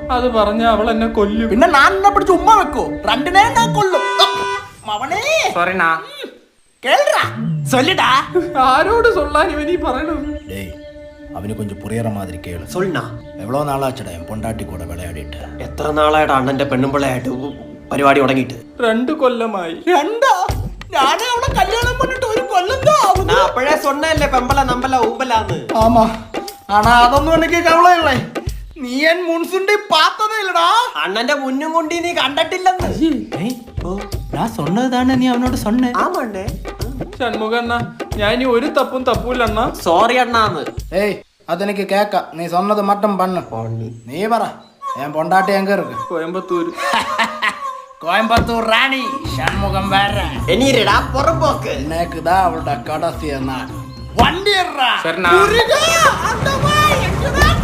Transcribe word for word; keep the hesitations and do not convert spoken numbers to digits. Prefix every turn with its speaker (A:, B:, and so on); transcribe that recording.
A: അത് പറഞ്ഞ അവൾ എന്നെ കൊല്ലും.
B: പിന്നെ ഞാൻ എന്നെ പിടിച്ച് ഉമ്മ വെക്കോ? രണ്ടിനെ ഞാൻ കൊല്ലും. മവനേ
A: സോറിനാ
B: കേൾടാ சொல்லுடா.
A: ആരോട് സൊല്ലാൻ ഇവനീ പറയണത്?
B: டேய் അവന് கொஞ்சம் புரியற மாதிரி கேளு.
C: சொல்லுண்ணா.
B: എവ്വളോ നാളാച്ചടാ ഞാൻ പൊണ്ടാട്ടി കൂടെ വിളയാടിയിട്ട്.
C: എത്ര നാളായിട്ട് അണ്ണന്റെ പെണ്ണുമ്പിള്ളയായിട്ട് പരിപാടി തുടങ്ങിയിട്ട്?
A: രണ്ടു കൊല്ലമായി.
B: രണ്ടാ? ഞാനേ അവളെ കല്യാണം பண்ணிட்டு ഒരു കൊല്ലം தான் ആവുന്നു.
C: நான் அப்பவே சொன்னேன்ல பெம்பல நம்பல ஊம்பலான்னு.
B: ஆமா. ஆனா അതൊന്നും എനിക്ക് കവളയില്ലേ. നീ എൻ മുൻസുണ്ടി പാത്തതേ ഇല്ലടാ.
C: അണ്ണന്റെ മുന്നും കൊണ്ട് നീ കണ്ടിട്ടില്ലെന്ന്.
B: ഏയ് ഓ ഞാൻ சொன்னതാണ് നീ അവനോട് சொன்னേ.
C: ആമണ്ണേ.
A: ഷൺമുഖണ്ണ ഞാൻ ഇനി ഒരു തപ്പും തപ്പൂല അണ്ണ.
C: സോറി അണ്ണാന്ന്.
B: ഏയ് അതെനിക്ക് കേക്കാം. നീ சொன்னது மட்டும் பண்ணு. നീ പറ ഞാൻ പൊണ്ടാട്ടി എങ്ക இருக்கு?
A: കോയമ്പത്തൂര്.
B: കോയമ്പത്തൂർ റാണി ഷൺമുഖം വേറെ.
C: എനിരടാ പുറമ്പോക്ക്.
B: എന്നേക്കുതാ അവളുടെ കടസിയ നാട്. വണ്ടി
A: ശരണ.
B: എങ്ങടാ